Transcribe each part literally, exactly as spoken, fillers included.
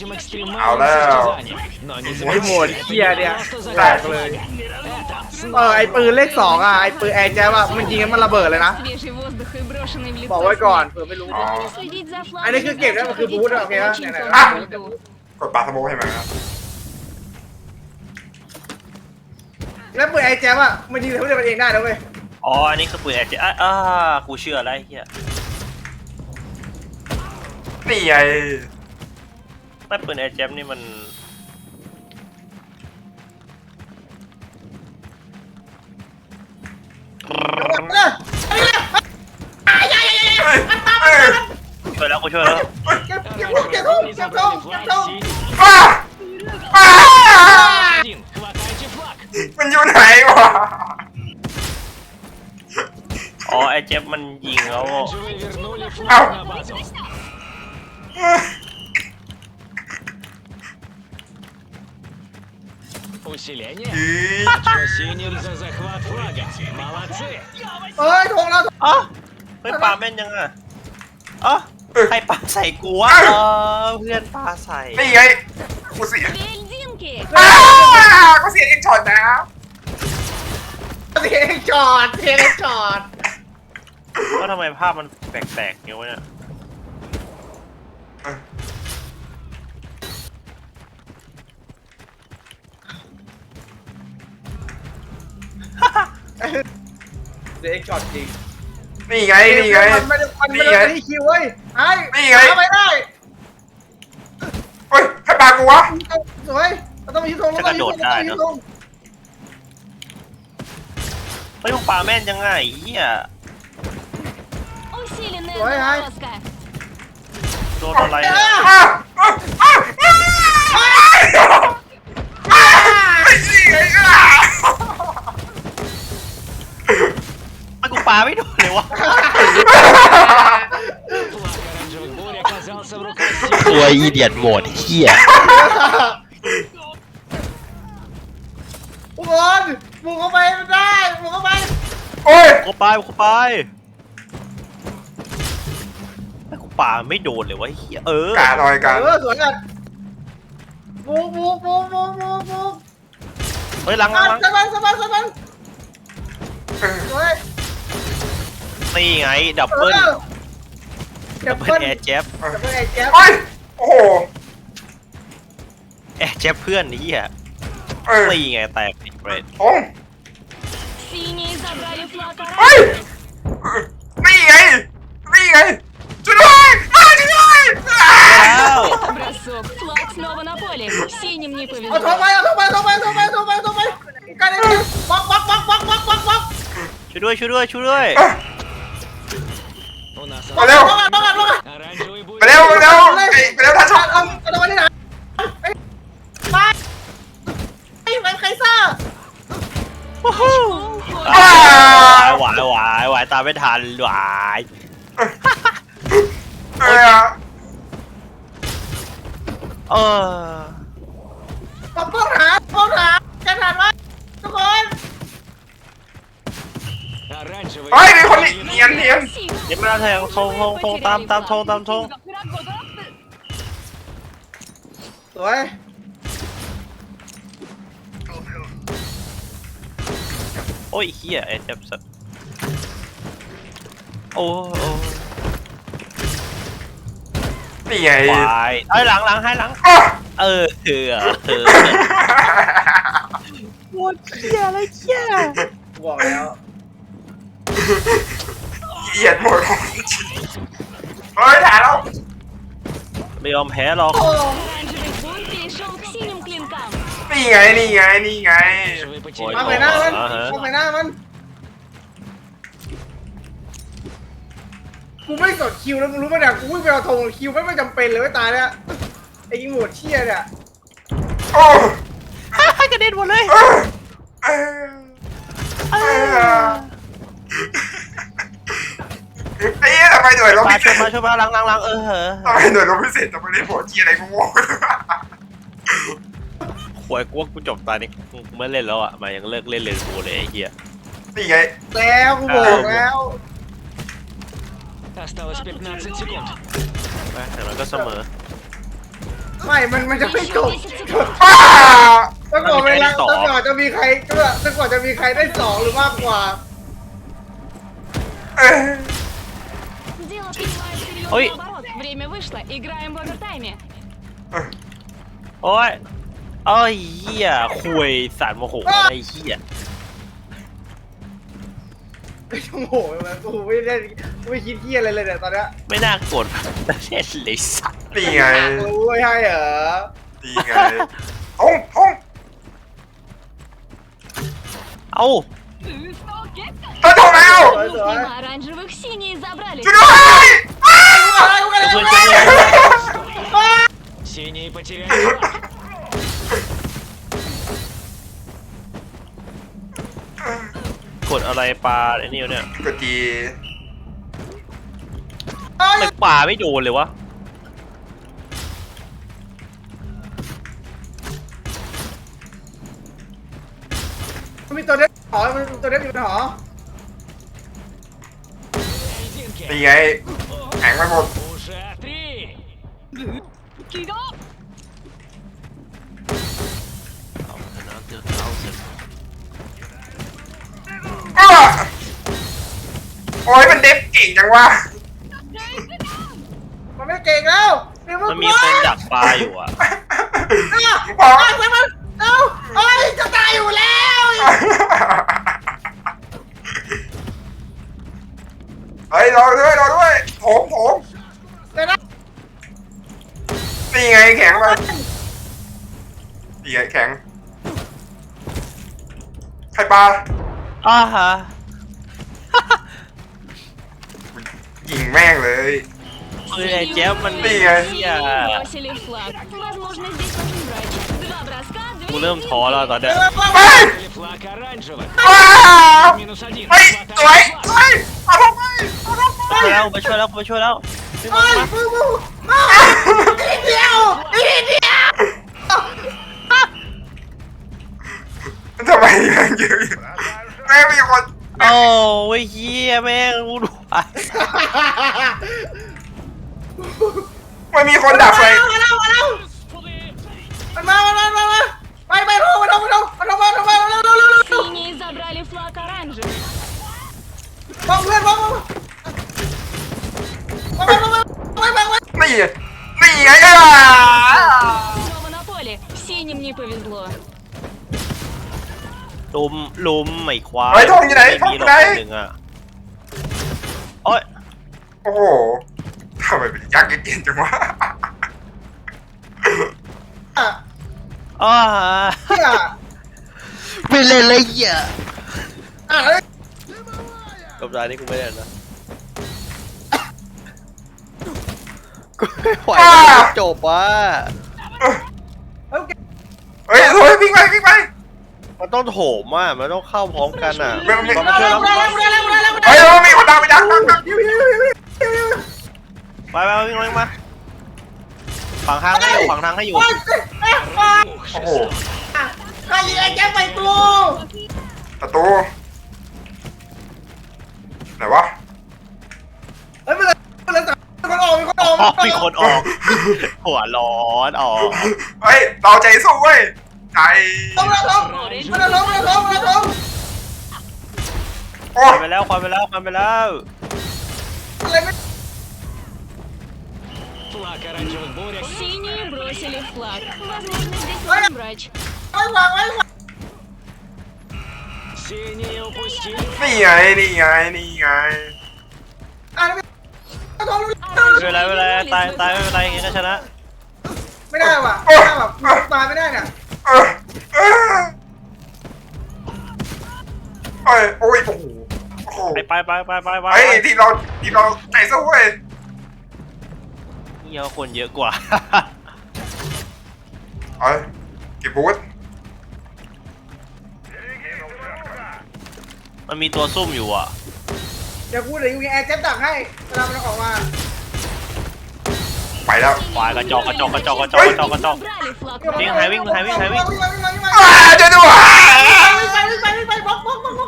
เอาแล้วไอ้โหมดเคียเนี่ยแตกเลยเออไอ้ปืนเลขสองอ่ะไอ้ปืนแอร์แจ๊บอ่ะมันยิงกันมันระเบิดเลยนะบอกไว้ก่อนเผื่อไม่รู้อันนี้คือเก็บได้มันคือบูทโอเคป่ะไหนๆกดปาสโมกให้มันครับแล้วปืนแอร์แจ๊บอ่ะมันยิงทำให้มันเองได้นะเว้ยอ๋ออันนี้คือปืนแอร์เจอ่ะอ่ากูเชื่อแล้วไอ้เหี้ยนี่ไงไม่ปืนแอร์เจนี่มันช่วยแล้วกูช่วยแล้วเก็บเก็บเก็บทงเก็บทงเก็บทงมันอยู่ไหนวะอ๋อไอ้เจฟมันยิงแล้วเอ้า Усиление. Синим за захват флага. Молодцы. เอ้ยทงแล้วอ๋อเฮ้ยปาแม่นยังอ่ะอ๋อใครปาใส่กูวะเออเพื่อนปาใส่นี่ไงกูเสีย Вельдинки! กูเสียเองช็อตนะเสียงจอดเสียงจอดว่าทำไมภาพมันแปลกๆอย่างวะเนี่ยเสียงจอดจริงนี่ไงนี่ไงมันไม่ได้มันไม่ได้ที่คิวเว้ยไอ้นี่ไงไปได้เฮ้ยใครปากูวะสวยเราต้องมีทงเราต้องมีทงเราต้องมีทงไม่ต้องปาแม่นยังไงเหี้ย Усиленная заморозка! โดนอะไรอ่ะไม่กูปาไม่โดนเลยวะ Флаг оранжевых бурь оказался в руках ตัวอีเดียดโหมดเหี้ยทุกคนบุกเข้าไปไม่ได้บุกเข้าไปโอ้ยกูไปกูไปไม่กูปาไม่โดนเลยวะเหี้ยเออกาหน่อยกาเออสวยกันบุกบุกบุกบุกบุกบุกเฮ้ยหลังหลังหลังสบายสบายสบายสวยนี่ไงดับเบิ้ลดัดับบ เบิเบิ้ลลแอร์เจ็บดับเบิลแอร์แจ๊บโอ้ยโอ้โหแอร์เจ็บเพื่อนนี่อ่ะเออนี่ไงแตกเบรดโอ้ Синие забрали флаг เฮ้ย оранжевых! นี่ไงนี่ไงช่วยด้วยช่วยด้วยแล้ว Бросок! Флаг снова на поле! Синим не เอาทงไป повезло! เอาทงไปทงไปทงไปทงไปทงไปกันเลยบล็อกบล็อกบล็อกบล็อกบล็อกบล็อกบล็อกช่วยด้วยช่วยด้วยช่วยด้วย У нас มาเร็วบล็อกบล็อกบล็อก оранжевый бурь. ไปเร็วไปเร็วไปไปเร็วท่านชมเอาเอาตัวนี้นะไปไปไปใครซ่าหวายหวายหวายตามไม่ทันหวายเออเออผมต้องหาต้องหาจะทันไหมทุกคน Оранжевый เฮ้ยมีคนเนียนเนียนเดี๋ยวไม่ได้แทงทงทงทงตามตามทงตามทงสวยโอ้ยเฮียไอ้เจ็บสัสโอ้โอ้นี่ไงวายไอ้หลังหลังให้หลังเออเออเออโคตรเฮียอะไรเฮียบอกแล้วเหยียดหมดเฮ้ยถ่ายแล้วไม่ยอมแพ้หรอก Оранжевый бурь перешел к синим клинкам! นี่ไงนี่ไงนี่ไง Оранжевый потерял. มาไปหน้ามันมาไปหน้ามันกูไม่สดคิวแล้วมึงรู้ไหมเนี่ยกูวิ่งไปเอาธงคิวไม่ไม่จำเป็นเลยไม่ตายแล้วไอ้ยิงหมวดเชี่ยเนี่ยโอ้กระเด็นหมดเลยเออเออเออไอ้เหี้ยทำไมหน่วยรบมาพิเศช่วยษมาช่วยมาหลังหลังหลังเออทำไมหน่วยรบพิเศษทำไมได้โผล่ที่อะไรกูงงหวยกูว่ากูจบตานี้กูไม่เล่นแล้วอ่ะมายังเลิกเล่นเลยกูเลยไอ้เหี้ยนี่ไงแล้วกูบอกแล้ว Осталось пятнадцать секунд. ไปแต่มันก็เสมอไม่มันมันจะไม่จบ Еще десять секунд. ป้าต้องบอกเวลาต้องก่อนจะมีใครต้องก่อนจะมีใครได้สองหรือมากกว่าเอ้ย Дело принимает серьезный Ой. оборот. Время вышло. Играем в овертайме. โอ้ยเอ้ยเหี้ยคุยสารโมโหอะไรเหี้ยไม่ต้องโหมันกูไม่ได้ไม่คิดเที่ยอะไรเลยเนี่ยตอนเนี้ยไม่น่ากดแต่เล่นเลยสัตว์นี่ไงรู้ไม่ให้เหรอนี่ไงทงทงเอ้าเธอถูกแล้ว Мимо оранжевых синие забрали. ช่วยด้วยอ้าวเพื่อนเพื่อน Синие потеряли флаг. กดอะไรปลาไอ้นี่วะเนี่ยกดจีทำไมปลาไม่โดนเลยวะมันมีตัวเด็กหอมันมีตัวเด็กอยู่ในหอ Резинки. นี่ไงแข็งไปหมด Уже три. เอาชนะเจอเขาเสร็จอ้าวโอ้ยมันเด็บเก่งจังวะมันไม่เก่งแล้วเดี๋ยวมันมีคนดักปลาอยู่อ่ะพอมันเอ้าเอ้ยจะตายอยู่แล้วเฮ้ยรอด้วยรอด้วยโถมโถมเดี๋ยวนะนี่ไงแข็งมานี่ไงแข็งใครปลาอ้าฮะยิงแม่งเลยคือไอ้แจ๊บมันนี่ไงเหี้ย Бросили флаг. Возможно, здесь нужен врач. Два броска, กู две เริ่มท้อแล้วตอนเนี้ยไป Или флаг оранжевых. ว้าว Минус один. เฮ้ยสวย Хватает สวย флаг. เอาลงไปเอาลงไปไปแล้วไปช่วยแล้วไปช่วยแล้ววิ่งเฮ้มายมึงมึงอ้าวนิดเดียวนิดเดียวทำไมยังเยอะอยู่แม่งมีคนโอ้ยเฮียแม่งรู้ดูไปมันมีคนดักไฟมาแล้วมาแล้วมันมามามามามาไปไปโทรมาโทรมาโทรมาโทรมาโทรมาเร็วเร็วเร็วเร็ว Синие забрали флаг оранжевых. บอกเพื่อนบอกบอกบอกบอกบอกบอกบอกนี่นี่ไงอ่ะ Снова на поле. Синим не повезло. ลุมลุมไม่ควายเฮ้ยทงอยู่ไหนไม่ทงมีอหรยู่อกไหนคนหนึ่งอ่ะโอ้ยโอ้โหทำไมเป็นยักษ์เย็นๆจังวะอ่ะอ้าเฮียไม่เล่นเลยเหี้ยอ่ะเฮ้ยกับรายนี้กูไม่เล่นนะกูไม่ไหวแล้วจบว่ะเฮ้ยเฮ้ยโอ้ยวิ่งไปวิ่งไปมันต้องโถมอ่ะมันต้องเข้าพร้อมกันอ่ะไม่ไม่มันไม่ช่วยแล้วเฮ้ยเรามีคนดักไปดักดักดักยิวยิวยิวยิวยิวไปไปวิ่งวิ่งมาฝังทางให้อยู่ฝังทางให้อยู่โอ้ยเอ๊ะอ่ะโอ้โหใครยิงไอ้แจ็คไปกูประตูไหนวะเฮ้ยมันเลยมันเลยมีคนออกมีคนออกอ๋อมีคนออก หัวร้อนออกเฮ้ยเราใจสู้เว้ยใจลงแล้วลงมันลงมันลงมันลงโอ้ควันไปแล้วควันไปแล้วควันไปแล้วอะไรไม่ Флаг оранжевых буря. Синие бросили флаг. Возможно, здесь нужен врач. ไว้วางไว้วาง Синие упустили. นี่ไงนี่ไงนี่ไงอ่ะไม่ต้องรู้ไม่เป็นไรไม่เป็นไรตายตายไม่เป็นไรอย่างงี้ก็ชนะไม่ได้ว่ะไม่ได้ว่ะตายไม่ได้เนี่ยเออเออเอ้ยโอ้ยโอ้โหโอ้โหไปไปไปไปไปไปเฮ้ยทีมเราทีมเราใจสู้เว้ยเงี้ยคนเยอะกว่าเอ้ยเก็บบูทมันมีตัวซุ่มอยู่อ่ะเดี๋ยวกูเดี๋ยวยิงแอร์เจ็ตดักให้เวลามันออกมาไปแล้วควายกระจอกกระจอกกระจอกกระจอกกระจอกกระจอก Забрали флаг. วิ่งหายวิ่งหายวิ่งหายวิ่งวิ่งไปวิ่งไปวิ่งไปอ้าเจอด้วยวิ่งไปวิ่งไปวิ่งไปบล็อกบล็อกบล็อกบล็อก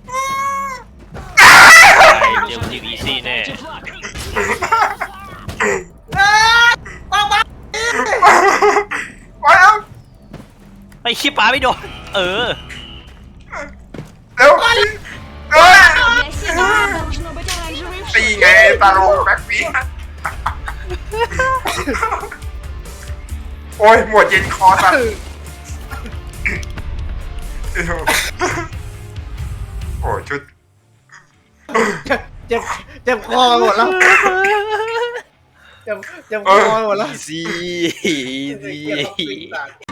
เดี๋ยวทีมอีซี่แน่ Флаг. เอ้ยปังปังไอ้ขี้ปลาไม่โดนเออเร็วเอ้ย Для себя должно быть оранжевое в ตี шоке. ไงตาโลแบ็คฟีโอ้ยหมวดเย็นคอสัตว์โอ้ชุดเจ็บเจ็บคอหมดแล้วเจ็บเจ็บคอหมดแล้วอีซี่อีซี่